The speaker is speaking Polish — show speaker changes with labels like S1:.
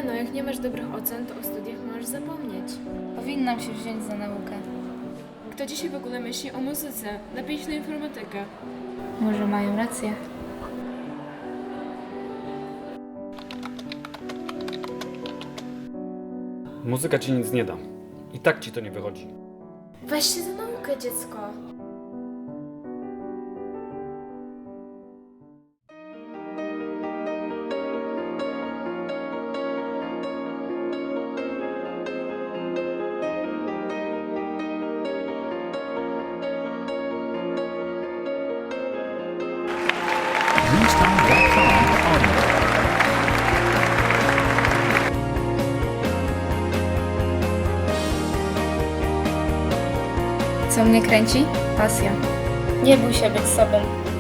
S1: no, jak nie masz dobrych ocen, to o studiach możesz zapomnieć.
S2: Powinnam się wziąć za naukę.
S1: Kto dzisiaj w ogóle myśli o muzyce? Lepiej iść na informatykę.
S2: Może mają rację.
S3: Muzyka ci nic nie da. I tak ci to nie wychodzi.
S1: Weź się za naukę, dziecko.
S4: Bluestone.com audio.
S2: Co mnie kręci? Pasja. Nie bój się być sobą.